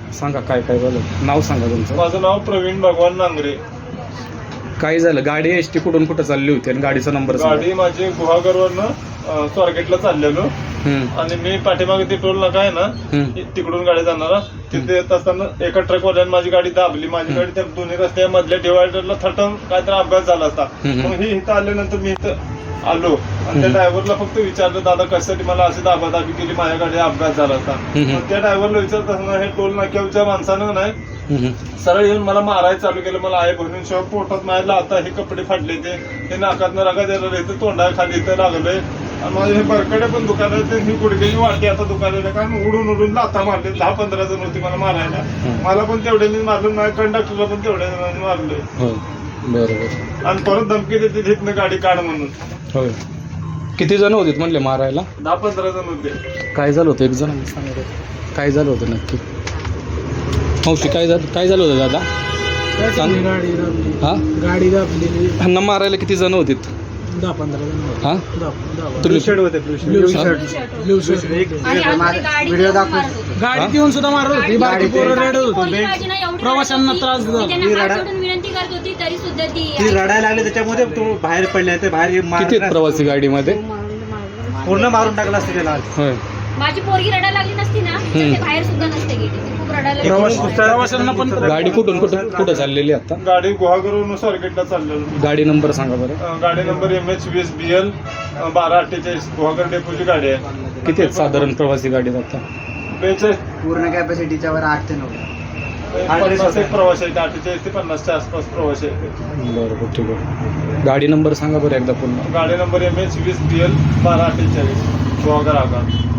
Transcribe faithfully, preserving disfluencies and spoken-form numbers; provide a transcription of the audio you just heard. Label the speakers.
Speaker 1: सांगा काय काय झालं, नाव सांगा तुमचं.
Speaker 2: माझं नाव प्रवीण भगवान नांगरे.
Speaker 1: काय झालं, गाडी एस टी कुठून कुठं चालली होती आणि गाडीचा नंबर सांगा.
Speaker 2: गाडी माझी गुहागरवरनं स्वारगेटला चाललेलो
Speaker 1: हम्म,
Speaker 2: आणि मी पाठीमागे ते टोल नाका आहे ना
Speaker 1: हम्म,
Speaker 2: तिकडून गाडी जाणारा तिथे येत असताना एका ट्रकवाल्याने माझी गाडी दाबली. माझी गाडी त्या दोन्ही रस्त्या मधल्या डिवायडरला थटून काहीतरी अपघात झाला असता.
Speaker 1: हम्म.
Speaker 2: मग ही इथं आल्यानंतर मी इथं आलो आणि त्या ड्रायव्हरला फक्त विचारलं, दादा कशासाठी मला अशी दाबादाबी केली, माझ्या गाडी अपघात झाला असता.
Speaker 1: हम्म.
Speaker 2: मग त्या ड्रायव्हरला विचारत असताना हे टोल नाक्याच्या माणसानं नाही
Speaker 1: हम्म,
Speaker 2: सरळ येऊन मला मारायला चालू केलं. मला आहे भरून शिवाय पोटात मारायला, आता हे कपडे फाडले ते हे नाकातनं रगा द्यायला इथं तोंडा खाली इथं लागलंय आणि माझे हे बरकडे पण दुकान आहे, ही गुडघ्याची वाटी आता दुकानाला कारण उडून उडून लाथा मारले. दहा पंधरा जण होती मला मारायला. मला पण तेवढ्याने मारलं, माझ्या कंडक्टरला पण तेवढ्या जणांनी मारलंय.
Speaker 1: हो बरोबर.
Speaker 2: आणि परत धमकी देते तिथनं गाडी काढ म्हणून.
Speaker 1: होय, किती जण होते म्हणले मारायला?
Speaker 2: दहा पंधरा जण होते.
Speaker 1: काय झालं होतं एक जण सांगा, काय झालं होतं नक्की? मावशी काय झालं, काय झालं होतं दादा? सांग.
Speaker 3: गाडी दाबली,
Speaker 1: हा,
Speaker 3: गाडी दाबलेली.
Speaker 1: ह्यांना मारायला किती जण होते?
Speaker 3: दहा पंधरा जण होते.
Speaker 1: हा,
Speaker 3: दहा- दहा-
Speaker 1: तुम्ही
Speaker 2: होते
Speaker 3: ब्लू शर्ट, ब्लू शर्ट होते.
Speaker 4: व्हिडिओ दाखव.
Speaker 3: गाडीत येऊन सुद्धा मारत होती, बाकी पोरं रडत होती.
Speaker 4: प्रवाशांना
Speaker 3: प्रवाशांना त्रास दिला.
Speaker 4: विनंती करत होती तरी सुद्धा ती
Speaker 5: ती रडायला लागली, त्याच्यामध्ये तो बाहेर पडले, ते बाहेर मार-
Speaker 1: किती आहेत प्रवासी गाडीमध्ये?
Speaker 5: पूर्ण मारून टाकला असते त्याला.
Speaker 1: होय,
Speaker 4: माझी पोरगी रडायला लागली नसती ना तर ते बाहेर सुद्धा नसते गेली. ती खूप रडायला लागली.
Speaker 3: प्रवाशांना पण
Speaker 1: गाडी कुठून कुठं कुठं चाललेली आता?
Speaker 2: गाडी गुहागरवरून स्वारगेटला चाललेलो.
Speaker 1: गाडी नंबर सांगा बरं.
Speaker 2: अं, गाडी नंबर एम एच वीस बी एल बारा अठ्ठेचाळीस गुहागर डेपोची गाडी आहे.
Speaker 1: किती आहेत साधारण प्रवासी गाडीत आता?
Speaker 2: बेचाळीस
Speaker 5: पूर्ण कॅपॅसिटीच्या वर आठ ते नऊ.
Speaker 2: पन्नास एक प्रवास आहे, अठ्ठेचाळीस ते पन्नासच्या आसपास प्रवास आहे.
Speaker 1: बरोबर, ठीक आहे. गाडी नंबर सांगा बरं एकदा पुन्हा.
Speaker 2: गाडी नंबर एम एच वीस बी एल बारा अठ्ठेचाळीस गुहागर आगार.